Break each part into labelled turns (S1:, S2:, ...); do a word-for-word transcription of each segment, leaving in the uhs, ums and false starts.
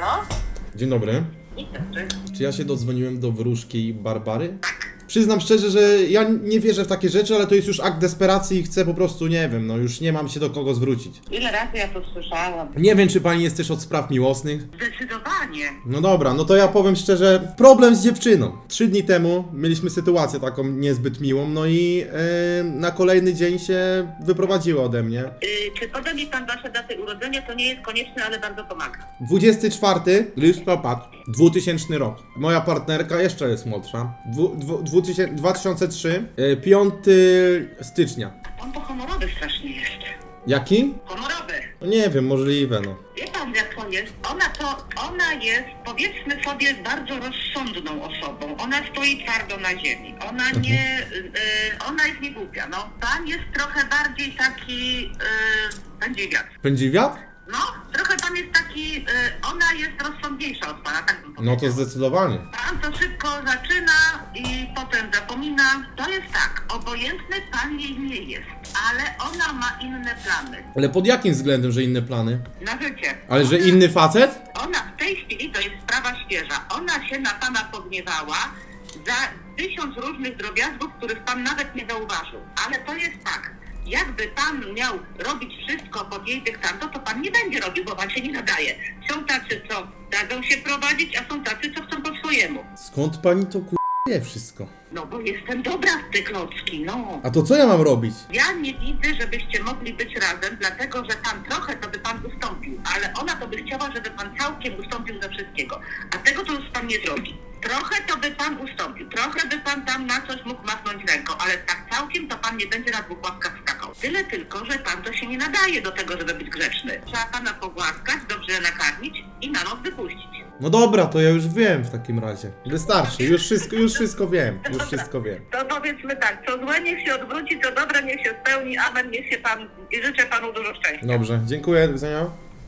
S1: Halo?
S2: Dzień dobry.
S1: Dzień dobry.
S2: Czy ja się dodzwoniłem do wróżki Barbary? Przyznam szczerze, że ja nie wierzę w takie rzeczy, ale to jest już akt desperacji i chcę po prostu, nie wiem, no już nie mam się do kogo zwrócić.
S1: Ile razy ja to słyszałam?
S2: Nie wiem, czy pani jest też od spraw miłosnych?
S1: Zdecydowanie.
S2: No dobra, no to ja powiem szczerze, problem z dziewczyną. Trzy dni temu mieliśmy sytuację taką niezbyt miłą, no i yy, na kolejny dzień się wyprowadziła ode mnie.
S1: Yy, czy poda mi pan wasze daty urodzenia? To nie jest konieczne, ale bardzo pomaga.
S2: dwudziestego czwartego listopad, dwutysięczny rok. Moja partnerka jeszcze jest młodsza. Dwu, dwu, dwutysięczny, dwa tysiące trzeci, yy, piątego stycznia.
S1: On to honorowy strasznie jest.
S2: Jaki?
S1: Honorowy.
S2: No nie wiem, możliwe no.
S1: Wie pan jak to jest? Ona to, ona jest, powiedzmy sobie, bardzo rozsądną osobą. Ona stoi twardo na ziemi. Ona nie, yy, ona jest niegłupia, no. Pan jest trochę bardziej taki, yy, będzie wiatr.
S2: Pędzi wiatr?
S1: No, trochę pan jest taki, yy, ona jest rozsądniejsza od pana, tak bym
S2: No to zdecydowanie.
S1: Pan to szybko zaczyna i potem zapomina. To jest tak, obojętny pan jej nie jest, ale ona ma inne plany
S2: Ale pod jakim względem, że inne plany?
S1: na życie.
S2: Ale że inny facet?
S1: Ona w tej chwili, to jest sprawa świeża, ona się na pana pogniewała za tysiąc różnych drobiazgów, których pan nawet nie zauważył. Ale to jest tak, jakby pan miał robić wszystko pod jej dyktando, to pan nie będzie robił, bo pan się nie nadaje. Są tacy, co dadzą się prowadzić, a są tacy, co chcą po swojemu.
S2: Skąd pani to ku... wie wszystko?
S1: No bo jestem dobra w te klocki, no.
S2: A to co ja mam robić?
S1: Ja nie widzę, żebyście mogli być razem, dlatego że pan trochę to by pan ustąpił, ale ona to by chciała, żeby pan całkiem ustąpił ze wszystkiego. A tego to już pan nie zrobi. Trochę to by pan ustąpił, trochę by pan tam na coś mógł machnąć ręką, ale tak całkiem to pan nie będzie na dwóch łapkach skakał. Tyle tylko, że pan to się nie nadaje do tego, żeby być grzeczny. Trzeba pana pogłaskać, dobrze nakarmić i na noc wypuścić.
S2: No dobra, to ja już wiem w takim razie. Wystarczy, już wszystko, już wszystko wiem, już wszystko wiem.
S1: To powiedzmy tak, co złe niech się odwróci, co dobre niech się spełni, amen, niech się pan i życzę panu dużo szczęścia.
S2: Dobrze, dziękuję, do widzenia.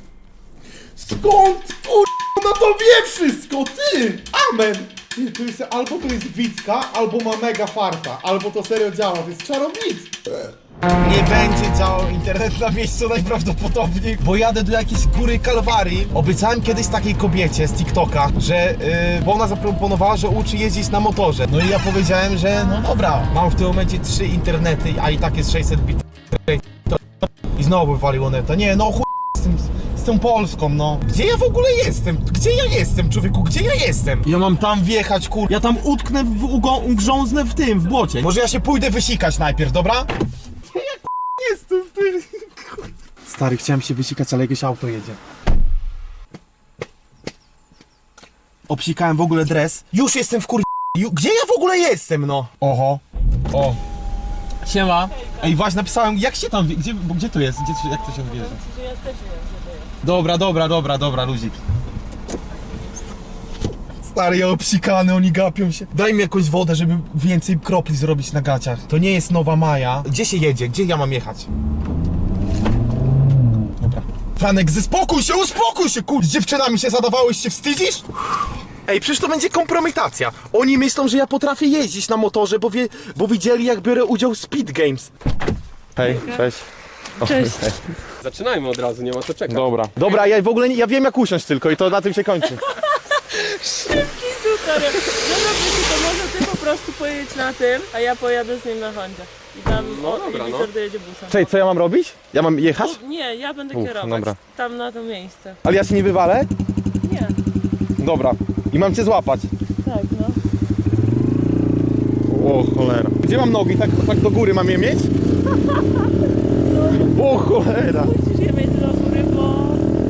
S2: Skąd kur... no to wie wszystko, ty! Amen! Ty, to jest, albo to jest Wicka, albo ma mega farta, albo to serio działa, to jest czarownictwo.
S3: Nie będzie działał internet na miejscu najprawdopodobniej, bo jadę do jakiejś góry Kalwarii. Obiecałem kiedyś takiej kobiecie z TikToka, że yy, bo ona zaproponowała, że uczy jeździć na motorze. No i ja powiedziałem, że no dobra, mam w tym momencie trzy internety, a i tak jest sześćset bit. I znowu wywaliło neta. Nie, no chuj z tym, z tą Polską, no. Gdzie ja w ogóle jestem? Gdzie ja jestem, człowieku? Gdzie ja jestem? Ja mam tam wjechać, kur... Ja tam utknę, w, ugo- ugrząznę w tym, w błocie. Może ja się pójdę wysikać najpierw, dobra? Jestem w tym. Stary, chciałem się wysikać, ale jakieś auto jedzie. Obsikałem w ogóle dres. Już jestem w kur... Ju- Gdzie ja w ogóle jestem, no? Oho. O. Siema. Ej, właśnie napisałem, jak się tam... wie- Gdzie, bo gdzie to jest? Gdzie, jak to się wierzy? Dobra, dobra, dobra, dobra, luzik. Stary, ja obsikany, oni gapią się. Daj mi jakąś wodę, żeby więcej kropli zrobić na gaciach. To nie jest Nowa Maja. Gdzie się jedzie? Gdzie ja mam jechać? Dobra. Franek, zespokój się, uspokój się, kur... Z dziewczynami się zadawałeś, się wstydzisz? Ej, przecież to będzie kompromitacja. Oni myślą, że ja potrafię jeździć na motorze, bo, wie, bo widzieli, jak biorę udział w Speed Games. Hej, cześć.
S4: Cześć.
S5: Zaczynajmy od razu, nie ma co czekać.
S3: Dobra. Dobra, ja w ogóle nie, ja wiem jak usiąść tylko i to na tym się kończy.
S4: Szybki tutor. Dobra, Bysiu, to może ty po prostu pojedź na tym, a ja pojadę z nim na Hondzie. I tam
S5: No
S4: o,
S5: dobra,
S4: i
S5: no.
S4: Wiktor dojedzie busem.
S3: Cześć, co ja mam robić? Ja mam jechać?
S4: No, nie, ja będę
S3: Uf,
S4: kierować.
S3: dobra.
S4: Tam na to miejsce.
S3: Ale ja się nie wywalę?
S4: Nie,
S3: Dobra. I mam cię złapać.
S4: tak no.
S3: O cholera. Gdzie mam nogi? Tak, tak do góry mam je mieć? O cholera.
S4: Musisz je mieć do góry, bo...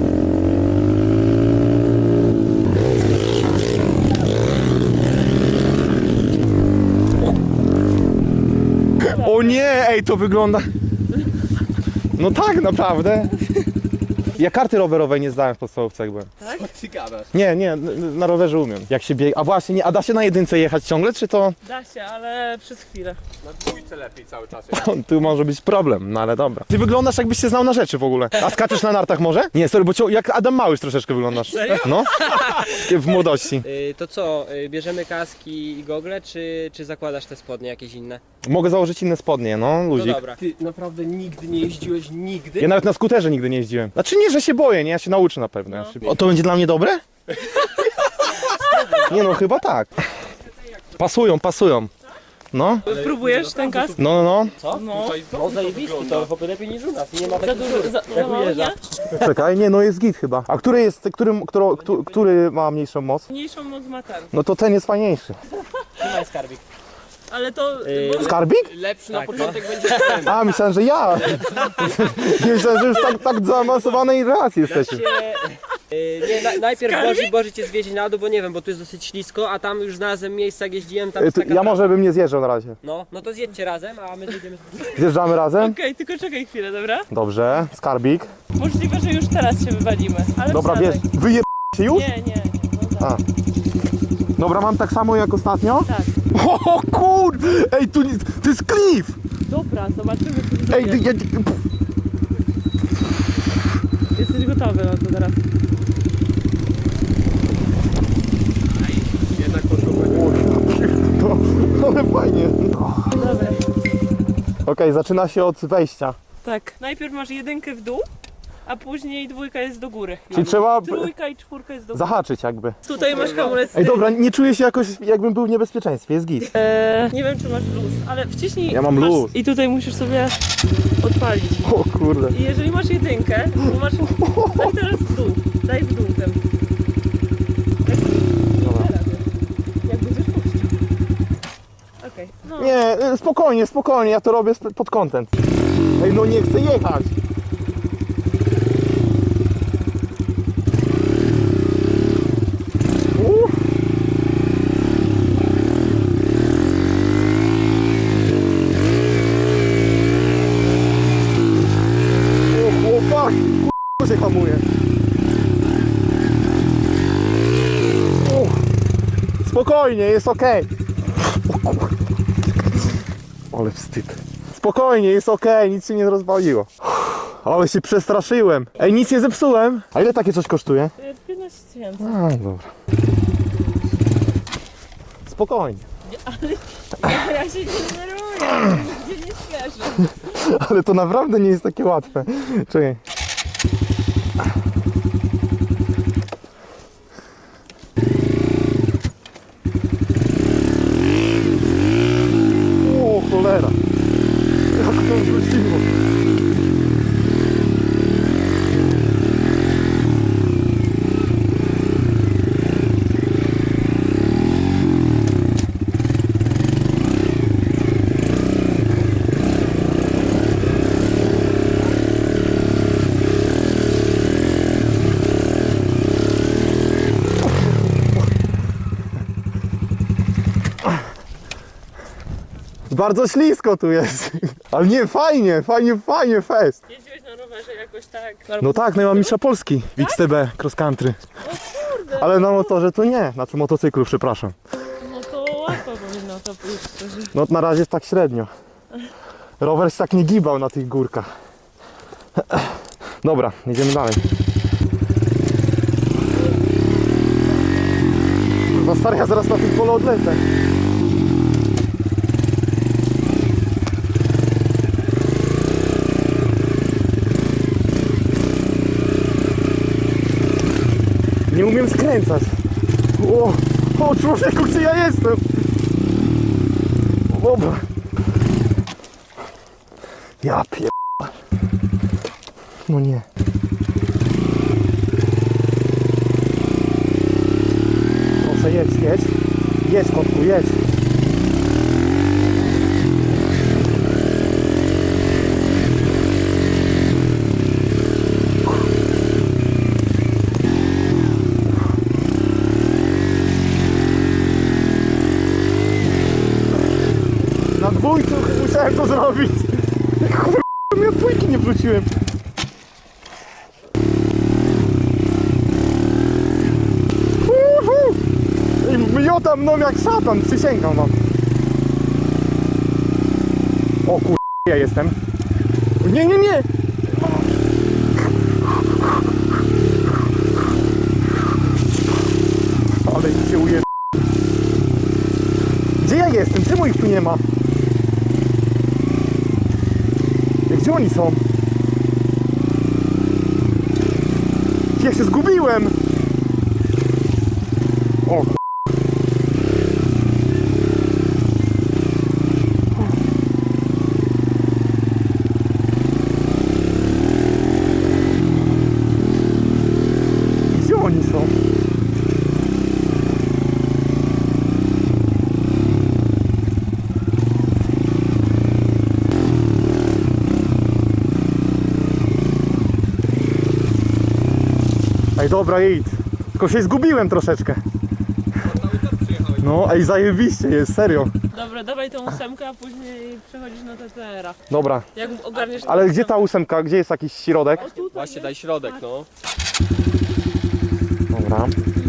S3: O nie, ej, to wygląda... No tak, naprawdę. Ja karty rowerowej nie zdałem w podstawówce jak byłem.
S5: Co ty gadasz?
S3: Nie, nie, n- na rowerze umiem. Jak się bieg... A właśnie, nie, a da się na jedynce jechać ciągle, czy to...
S4: Da się, ale przez chwilę.
S5: Na dwójce lepiej cały czas.
S3: Tu może być problem, no ale dobra. Ty wyglądasz jakbyś się znał na rzeczy w ogóle. A skaczesz na nartach może? Nie, sorry, bo cię, jak Adam Małysz troszeczkę wyglądasz.
S6: Serio?
S3: No, w młodości.
S6: Yy, to co, yy, bierzemy kaski i gogle, czy, czy zakładasz te spodnie jakieś inne?
S3: Mogę założyć inne spodnie, no,
S6: No
S3: luzik.
S6: dobra.
S5: Ty naprawdę nigdy nie jeździłeś, nigdy?
S3: Ja nawet na skuterze nigdy nie jeździłem. Znaczy nie, że się boję, nie? Ja się nauczę na pewno.
S4: No.
S3: Ja się... O, to będzie dla mnie dobre? Nie no, chyba tak. Pasują, pasują. No,
S4: Próbujesz ten kask?
S3: no, no, no.
S6: Co?
S4: No.
S6: No zajebiście, to chyba lepiej niż u nas. Nie ma
S4: Za
S6: takich
S4: dużo,
S6: dziur,
S4: za,
S6: jak
S4: za mało,
S6: ujeżdża.
S4: nie?
S3: Czekaj, nie, no jest git chyba. A który jest, którym, któro, któ- który ma mniejszą moc?
S4: Mniejszą moc ma ten.
S3: No to ten jest fajniejszy.
S6: Trzymaj skarbik.
S4: Ale to...
S6: Yy,
S4: bo-
S3: Skarbik?
S5: Lepszy na
S6: Tak,
S5: początek będzie ten.
S3: A, myślałem, że ja. Myślałem, że już tak, tak zaawansowanej relacji jesteśmy.
S6: Się, yy, nie, na, najpierw
S4: Skarbik?
S6: Boży, Boży cię zwiezie na dół, bo nie wiem, bo tu jest dosyć ślisko, a tam już znalazłem miejsca, jak jeździłem, tam
S3: Y,
S6: jest
S3: to
S6: taka
S3: Ja
S6: trawa.
S3: może bym nie zjeżdżał na razie.
S6: No, no to zjedźcie razem, a my zjedziemy.
S3: Zjeżdżamy razem?
S4: Okej, tylko czekaj chwilę, dobra?
S3: Dobrze, skarbik.
S4: Możliwe, że już teraz się wywalimy. Ale
S3: Dobra,
S4: wsiadaj.
S3: wiesz, wyje się już?
S4: Nie, nie, nie. No tak.
S3: A. Dobra, mam tak samo jak ostatnio?
S4: Tak.
S3: O kur... Ej, tu nie- to jest klif!
S4: Dobra, zobaczymy, co tu
S3: Ej, ty,
S4: będzie.
S3: ja...
S4: Jesteś gotowy na to teraz.
S5: Jednak poszło.
S3: To, ale fajnie.
S4: Dobra.
S3: Okej, zaczyna się od wejścia.
S4: Tak. Najpierw masz jedynkę w dół, a później dwójka jest do góry.
S3: Czyli trzeba b-
S4: Trójka i czwórka jest do góry.
S3: zahaczyć jakby.
S4: Tutaj masz hamulec z
S3: Ej,
S4: tyłu.
S3: dobra, nie czuję się jakoś, jakbym był w niebezpieczeństwie, jest git.
S4: Eee, nie wiem, czy masz luz, ale wciśnij...
S3: Ja mam
S4: masz,
S3: luz.
S4: I tutaj musisz sobie odpalić.
S3: O kurde.
S4: I jeżeli masz jedynkę, to masz... Daj teraz w dół. Daj w dół ten. Jak,
S3: Dobra.
S4: jak będziesz puścił. Okej. No.
S3: Nie, y, spokojnie, spokojnie, ja to robię sp- pod content. Ej, no nie chcę jechać. Uff. O chłopak, k***a się hamuje. Uff. Spokojnie, jest okej. O kur... Ale wstyd. Spokojnie, jest okej, nic się nie rozwaliło. Ale się przestraszyłem. Ej, nic nie zepsułem. A ile takie coś kosztuje?
S4: E, piętnaście tysięcy.
S3: A, dobra. Spokojnie.
S4: Ja się nie denerwuję, nigdzie nie śpieszę.
S3: Ale to naprawdę nie jest takie łatwe. Czekaj. O cholera. Jak to wróciło. Bardzo ślisko tu jest. Ale nie, fajnie, fajnie, fajnie, fest.
S4: Jeździłeś na rowerze jakoś tak?
S3: No tak, no ja mam mistrza Polski w X T B cross country.
S4: Kurde,
S3: Ale na motorze to nie, znaczy motocyklu, przepraszam.
S4: no to łatwo powinno to pójść. szczerze.
S3: No na razie tak średnio. Rower się tak nie gibał na tych górkach. Dobra, jedziemy dalej. Kurwa stary, ja zaraz na tym polu odlecę. Nie umiem skręcać. O, o człowieku, gdzie ja jestem? Dobra. Ja pier... No nie. Proszę, jedź, jedź. Jedź, kotku, jedź. Na dwójcu musiałem to zrobić. Kurwa, ja dwójki nie wróciłem. Uhu. I miotam mną jak szatan, przysięgam wam. O kur... ja jestem. Nie, nie, nie! Ale się uje... Gdzie ja jestem? Czemu ich tu nie ma? Gdzie oni są? Ja się zgubiłem! O ku... Gdzie oni są? Ej, dobra, idź. Tylko się zgubiłem troszeczkę.
S5: Cały czas przyjechałeś.
S3: No, ej, zajebiście jest, serio.
S4: Dobra, dawaj tą ósemkę, a później przechodzisz na T T R a.
S3: Dobra,
S4: Jak ogarniesz...
S3: ale gdzie ta ósemka? Gdzie jest jakiś środek?
S4: O, tutaj
S5: Właśnie
S4: jest.
S5: daj środek, no.
S3: Dobra.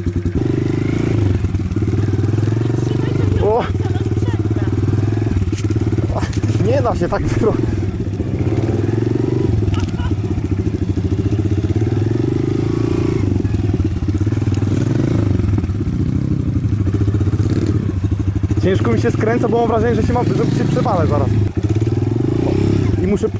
S4: Trzymaj sobie
S3: O!
S4: do końca na sprzęgę.
S3: Nie da się tak zrobić. Ciężko mi się skręca, bo mam wrażenie, że się, ma, że się przewalę zaraz. O. I muszę...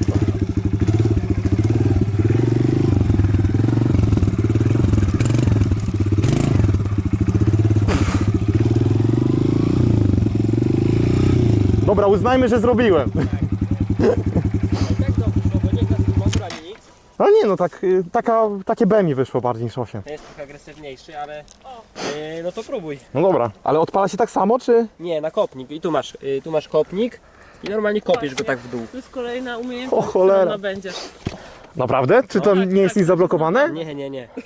S3: Dobra, uznajmy, że zrobiłem.
S6: Tak dobrze, bo nie gaz motor ani nic.
S3: Ale nie no, tak, y, taka, takie B mi wyszło bardziej niż osiem.
S6: To jest trochę agresywniejszy, ale yy, no to próbuj.
S3: No dobra, ale odpala się tak samo, czy?
S6: Nie, na kopnik. I tu masz, yy, tu masz kopnik i normalnie kopiesz go tak w dół.
S4: To jest kolejna umiejętność,
S3: O cholera.
S4: którą nabędziesz.
S3: Naprawdę? Czy to
S4: tak,
S3: nie jest
S4: tak,
S3: nic zablokowane?
S6: Nie, nie, nie.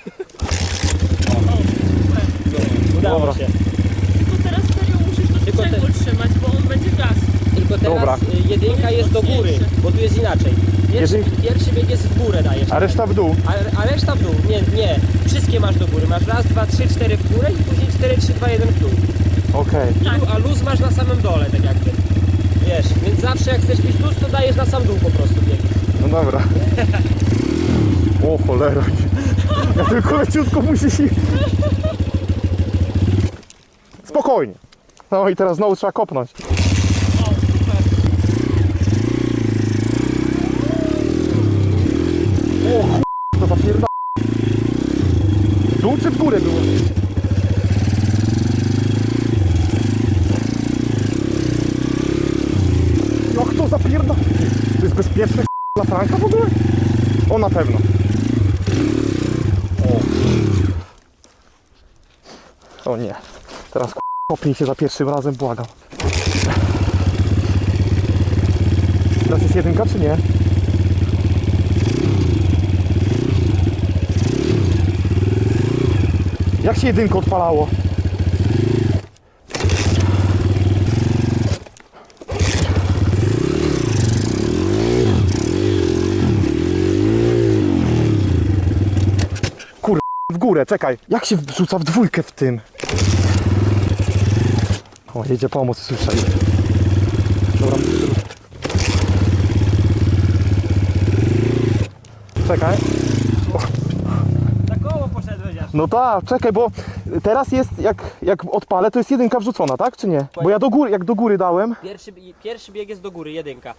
S4: Super.
S6: Udało
S3: Dobra.
S6: się.
S4: Tylko teraz serio musisz to
S6: Tylko
S4: sprzęgło trzymać, bo on będzie gasł.
S6: Tylko teraz
S3: Dobra.
S6: y, jedynka jest do góry, bo tu jest inaczej. Pierwszy,
S3: Jedyn-
S6: pierwszy bieg jest w górę dajesz.
S3: A reszta w dół?
S6: A, a reszta w dół. Nie, nie. Wszystkie masz do góry. Masz raz, dwa, trzy, cztery w górę i później cztery, trzy, dwa, jeden w dół.
S3: Okej.
S6: I lu, a luz masz na samym dole, tak jakby. Wiesz, więc zawsze jak chcesz mieć luz, to dajesz na sam dół po prostu bieg.
S3: No dobra. O cholera. Ja tylko leciutko musisz ich... Spokojnie. No i teraz znowu trzeba kopnąć.
S4: O, super.
S3: O ch... to zapierda... W dół czy w górę było? Jak to zapierda... To jest bezpieczne dla Franka w ogóle? O, na pewno. O. O nie. Teraz kopnij się za pierwszym razem, błagam. Teraz jest jedynka czy nie? Jak się jedynko odpalało? Kur... w górę, czekaj. Jak się wrzuca w dwójkę w tym? O, jedzie pomoc, słyszę. Dobra. Czekaj.
S6: Na koło poszedłeś aż.
S3: No tak, czekaj, bo teraz jest, jak, jak odpalę, to jest jedynka wrzucona, tak, czy nie? Bo ja do góry, jak do góry dałem,
S6: Pierwszy, pierwszy bieg jest do góry, jedynka.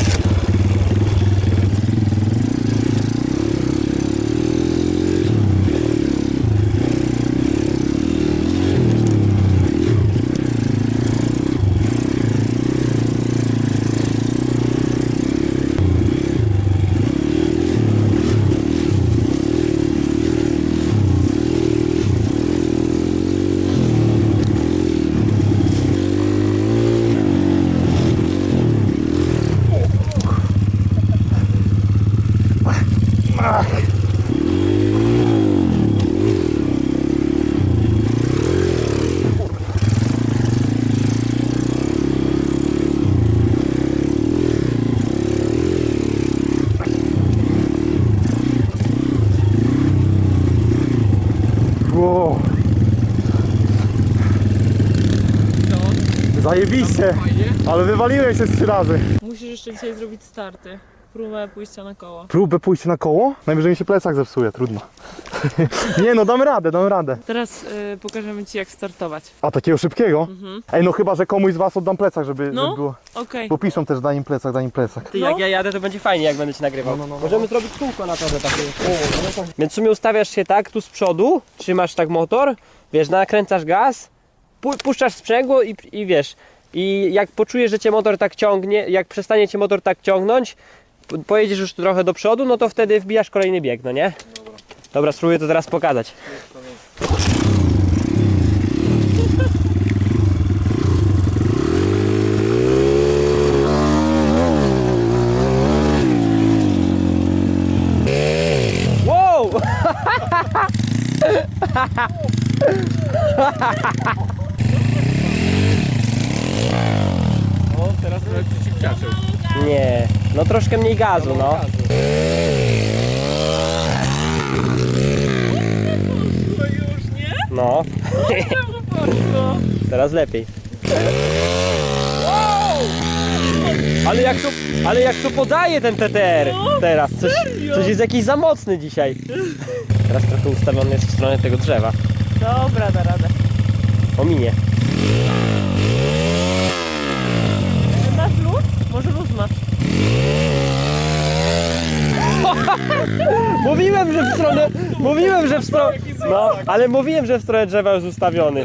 S3: wow. Zajebiście,
S5: Fajnie.
S3: ale wywaliłem się z trzy razy.
S4: Musisz jeszcze dzisiaj zrobić starty. próbę pójścia na koło.
S3: Próbę pójść na koło? Najwyżej mi się plecak zepsuje, trudno. Nie no, damy radę, damy radę.
S4: Teraz y, pokażemy ci jak startować.
S3: A takiego szybkiego?
S4: Mhm.
S3: Ej, no chyba, że komuś z was oddam plecak, żeby,
S4: No.
S3: żeby było.
S4: Okej.
S3: Bo piszą też, daj im plecak, daj im plecak.
S6: Ty,
S4: No.
S6: jak ja jadę, to będzie fajnie, jak będę ci nagrywał.
S3: No, no, no, no.
S6: Możemy zrobić kółko na tobie takie. Więc w sumie ustawiasz się tak, tu z przodu, trzymasz tak motor, wiesz, nakręcasz gaz, pu puszczasz sprzęgło i, i wiesz, i jak poczujesz, że cię motor tak ciągnie, jak przestanie cię motor tak ciągnąć, po- pojedziesz już trochę do przodu, no to wtedy wbijasz kolejny bieg, no nie? Dobra. Dobra, spróbuję to teraz pokazać. Wow!
S5: O, teraz trochę przyciągaczył.
S6: Nie, no troszkę mniej gazu, no.
S4: To już nie?
S6: No,
S4: Czemu poszło?
S6: teraz lepiej. Ale jak to, ale jak to podaje ten T T R
S4: No,
S6: teraz, coś,
S4: serio?
S6: coś jest jakiś za mocny dzisiaj. Teraz trochę ustawiony jest w stronę tego drzewa.
S4: Dobra, da radę.
S6: Ominie.
S4: Masz luz? Może luz masz.
S6: Mówiłem, że w stronę, mówiłem, że w stronę, no, ale mówiłem, że w stronę drzewa jest ustawiony.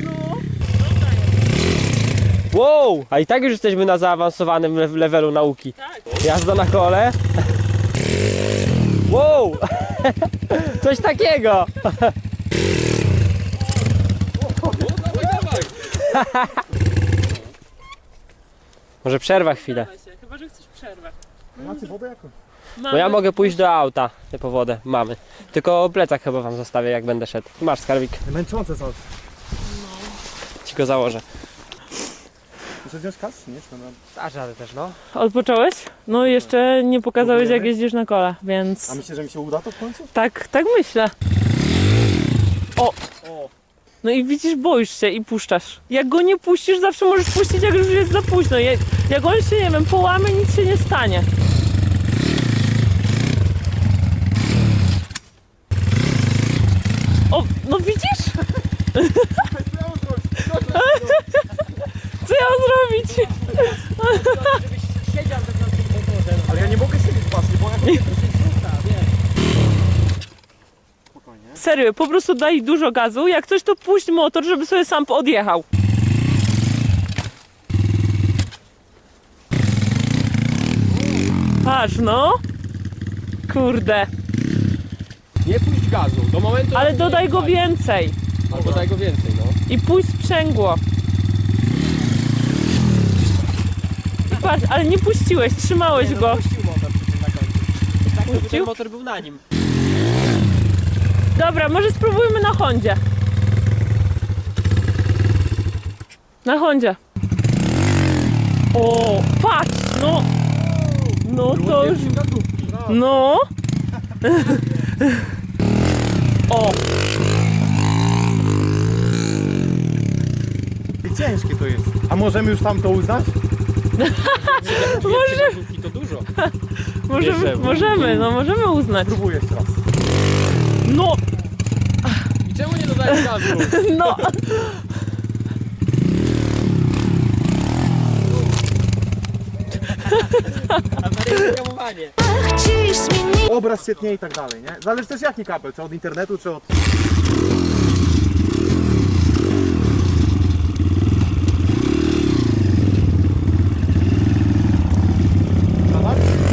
S6: Wow, a i tak już jesteśmy na zaawansowanym le- levelu nauki.
S4: Tak.
S6: Jazda na kole. Wow! Coś takiego! Może przerwa chwilę.
S4: Chyba, że chcesz przerwę.
S3: Macie wodę jakąś?
S6: Bo ja mogę pójść do auta po wodę. Mamy. Tylko plecak chyba wam zostawię, jak będę szedł. Masz skarbik,
S3: Męczące są.
S6: ci go założę.
S3: Muszę wziąć kas? Nie, czy mam...
S6: Dasz radę też, no.
S4: Odpocząłeś? No jeszcze nie pokazałeś jak
S3: Próbujemy?
S4: jeździsz na kole, więc
S3: A myślisz, że mi się uda to w końcu?
S4: tak, tak myślę. O! No i widzisz, boisz się i puszczasz. Jak go nie puścisz, zawsze możesz puścić, jak już jest za późno. Jak, jak on się, nie wiem, połamie, nic się nie stanie. O, no widzisz? Co ja mam zrobić?
S6: Siedział tak na tym motorze.
S3: Ale ja nie mogę siedzieć właśnie, bo ja
S4: Serio, po prostu daj dużo gazu. Jak coś, to puść motor, żeby sobie sam odjechał. Patrz, no. Kurde.
S5: Nie puść gazu, do momentu...
S4: Ale
S5: jak
S4: dodaj
S5: nie
S4: go
S5: wali.
S4: więcej.
S5: Albo daj go więcej, no.
S4: I puść sprzęgło. I patrz, ale nie puściłeś, trzymałeś go.
S6: Puścił motor przy tym na końcu. Tak, żeby
S4: Puścił?
S6: ten motor był na nim.
S4: Dobra, może spróbujmy na Hondzie. Na Hondzie. O, patrz, no. No to już... No. O,
S3: I ciężkie to jest. A możemy już tam to uznać?
S4: może,
S5: I to dużo.
S4: możemy,
S5: Bierzemy.
S4: możemy, no możemy uznać.
S3: Próbuję jeszcze raz.
S4: No,
S5: I czemu nie dodajesz gazu?
S4: no.
S6: Awaryjne hamowanie.
S3: Obraz świetnie i tak dalej, nie? Zależy też jaki kabel, czy od internetu, czy od... Dobra?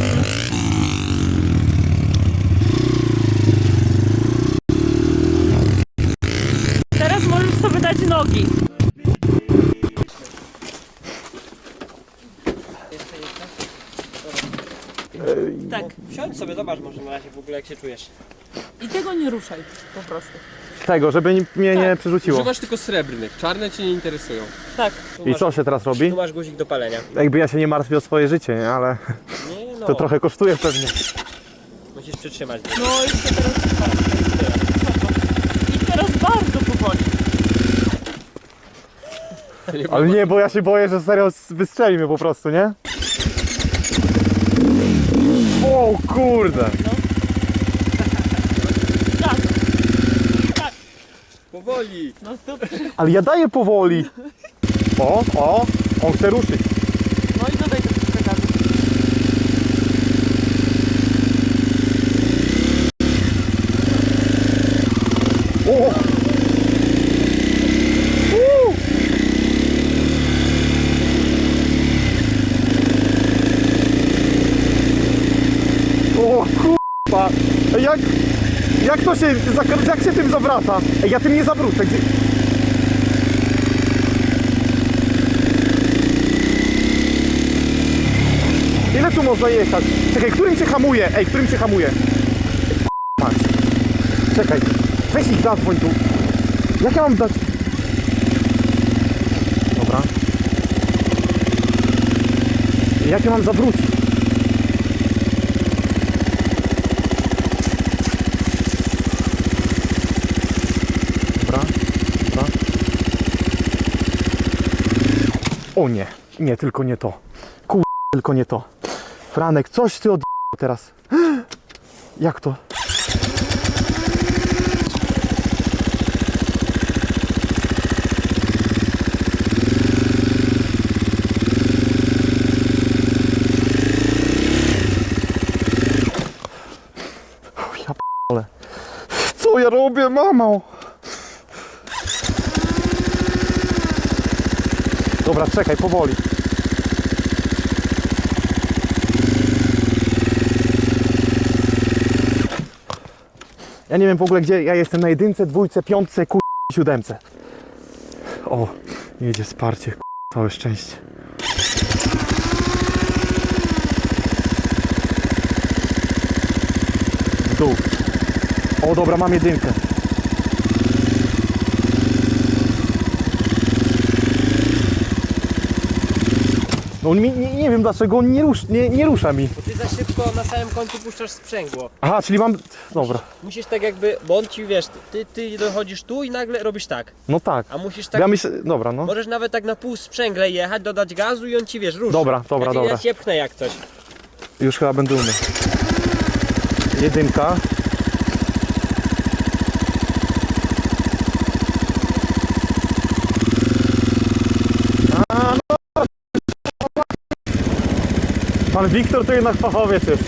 S4: Teraz możesz sobie dać nogi. Tak.
S6: Wsiądź sobie, zobacz może na razie w ogóle jak się czujesz.
S4: I tego nie ruszaj po prostu.
S3: Tego, żeby ni- mnie nie przerzuciło.
S5: Używasz tylko srebrnych, czarne cię nie interesują.
S4: Tak.
S6: Tu
S3: I
S6: masz,
S3: co się teraz robi?
S6: tu masz guzik do palenia.
S3: Jakby ja się nie martwił o swoje życie, nie? Ale
S6: Nie no,
S3: to trochę kosztuje pewnie.
S6: musisz przytrzymać.
S4: No i się teraz... I teraz bardzo powoli.
S3: Ale nie, bo ja się boję, że serio wystrzeli mnie po prostu, nie? O kurde!
S4: Tak. Tak.
S5: Powoli.
S4: No to...
S3: Ale ja daję powoli! O, o! On chce ruszyć.
S4: No i dodaj troszkę gazu.
S3: O! Uuu! O kurwa! Ej, Jak, jak to się, zak- jak się tym zawraca? Ej, ja tym nie zawrócę. Gdzie... Ile tu można jechać? Czekaj, którym cię hamuje? Ej, którym cię hamuje? Patrz. Czekaj, weź ich zadzwoń tu. Jak ja mam dać? Dobra. Jak ja mam zawrócić? Dobra, dobra. O nie, nie, tylko nie to. Kur... tylko nie to. Franek, coś ty od... teraz. Jak to? O, ja p***le. Co ja robię, mamo? Dobra, czekaj, powoli. Ja nie wiem w ogóle gdzie ja jestem, na jedynce, dwójce, piątce, kur... siódemce. O, jedzie wsparcie, kur... całe szczęście. W dół. O dobra, mam jedynkę. No on mi, nie, nie wiem dlaczego on nie, rusz, nie, nie rusza mi.
S6: Bo ty za szybko na samym końcu puszczasz sprzęgło.
S3: Aha, czyli mam... Dobra.
S6: Musisz tak jakby, bo on ci, wiesz, ty, ty dochodzisz tu i nagle robisz tak.
S3: No tak.
S6: A musisz tak,
S3: Ja myślę... Dobra, no.
S6: możesz nawet tak na pół sprzęgle jechać, dodać gazu i on ci, wiesz, ruszy.
S3: Dobra, dobra,
S6: ja, ci-
S3: dobra.
S6: Ja cię pchnę jak coś.
S3: Już chyba będę umiał. Jedynka. A, no. Pan Wiktor to jednak fachowiec jest.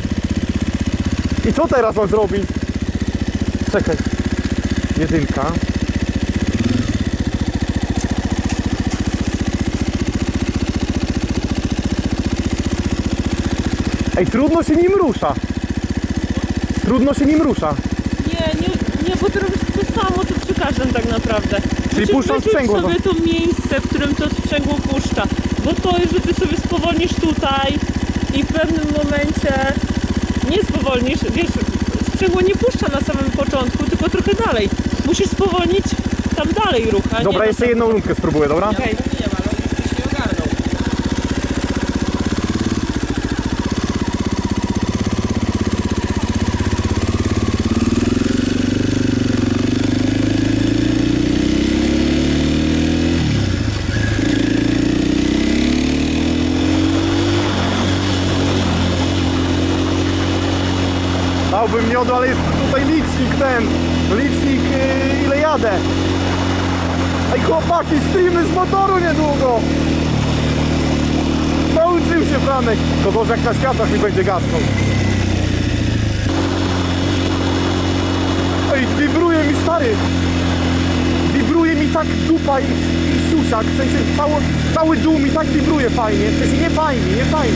S3: I co teraz mam zrobić? Czekaj. Jedynka. Ej, trudno się nim rusza. Trudno się nim rusza.
S4: Nie, nie, nie, bo ty robisz to samo, co przy każdym tak naprawdę.
S3: Czyli
S4: Musisz
S3: puszczam
S4: wyczuć
S3: sprzęgło,
S4: sobie to miejsce, w którym to sprzęgło puszcza. Bo to jest, że ty sobie spowolnisz tutaj i w pewnym momencie nie spowolnisz, wiesz, sprzęgło nie puszcza na samym początku, tylko trochę dalej. Musisz spowolnić tam dalej ruch, a
S3: Dobra,
S4: nie
S3: jeszcze jedną rundkę spróbuję, dobra?
S4: Okej.
S6: Nie ma, ale on już nie ogarnął.
S3: Dałbym miodu, ale jest tutaj licznik ten. Licznik yy, ile jadę. Ej chłopaki, streamy z motoru niedługo. Nauczył się Franek. To może jak na światłach mi będzie gasnął. Ej, wibruje mi stary. Wibruje mi tak dupa i, i siusiak. W sensie cały, cały dół mi tak wibruje fajnie. W sensie nie fajnie, nie fajnie.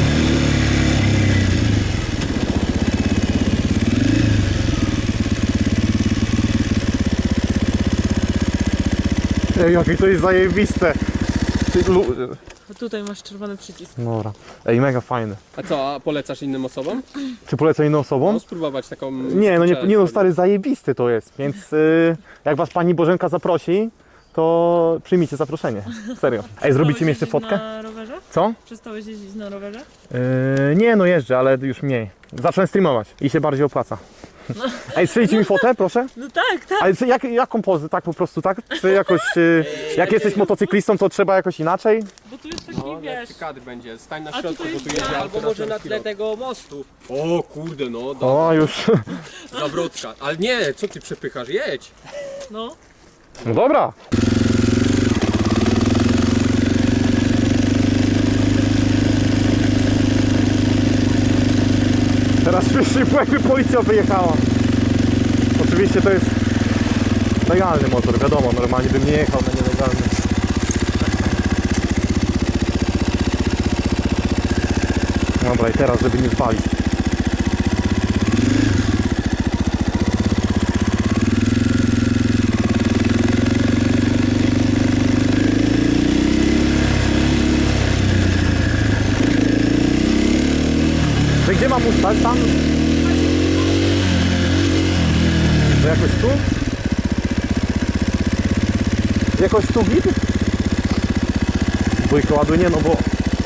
S3: Ej, jakie to jest zajebiste. Ty, lu...
S4: Tutaj masz czerwony przycisk.
S3: Dobra. Ej, mega fajne.
S5: A co, a polecasz innym osobom?
S3: Czy polecę inną osobom?
S5: No spróbować taką...
S3: Nie, no nie, nie no stary, zajebisty to jest, więc y, jak was pani Bożenka zaprosi, to przyjmijcie zaproszenie. Serio. Ej, zrobicie mi jeszcze
S4: Przestałeś
S3: fotkę?
S4: jeździć na rowerze?
S3: Co?
S4: Przestałeś jeździć na rowerze?
S3: Yy, nie, no jeżdżę, ale już mniej. Zacznę streamować i się bardziej opłaca. Ej, strzelicie mi fotę, proszę?
S4: No tak, tak.
S3: Ale co, jak, jaką pozę? Tak po prostu, tak? Czy jakoś, y, jak jesteś motocyklistą, to trzeba jakoś inaczej?
S4: Bo tu jest taki,
S5: No,
S4: wiesz...
S5: lepszy kadr będzie. Stań na
S4: A
S5: środku,
S4: tutaj
S5: bo tu
S4: jest-
S5: jedzie auto
S6: Albo może na
S5: szeroki
S6: tle
S5: rok.
S6: tego mostu.
S5: O kurde, no, do,
S3: O, już.
S5: zawrotka. Ale nie, co ty przepychasz? Jedź.
S4: No.
S3: No dobra. Teraz wszyscy, jakby policja wyjechała. Oczywiście to jest legalny motor, wiadomo, normalnie bym nie jechał na nielegalny. Dobra, i teraz, żeby nie spalić. To gdzie mam ustać? Tam? To jakoś tu? Jakoś tu git? Dwójkę ładuje, nie no bo...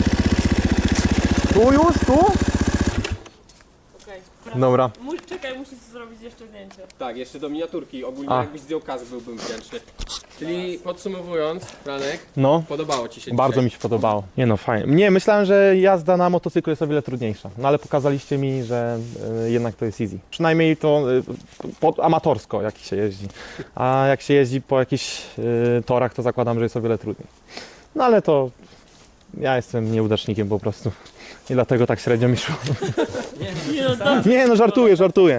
S3: Tu już? Tu?
S4: Okej.
S3: Dobra.
S4: Mu- Czekaj, musisz zrobić jeszcze zdjęcie.
S5: Tak, jeszcze do miniaturki. Ogólnie
S3: A.
S5: jakbyś zdjął kask, byłbym wdzięczny. Czyli podsumowując, Franek,
S3: No.
S5: podobało ci się
S3: Bardzo
S5: dzisiaj?
S3: mi się podobało. Nie no, fajnie. Nie, myślałem, że jazda na motocyklu jest o wiele trudniejsza. No ale pokazaliście mi, że y, jednak to jest easy. Przynajmniej to y, po, amatorsko, jak się jeździ. A jak się jeździ po jakichś y, torach, to zakładam, że jest o wiele trudniej. No ale to ja jestem nieudacznikiem po prostu. I dlatego tak średnio mi szło.
S4: Nie no, dobra.
S3: Nie no, żartuję, żartuję.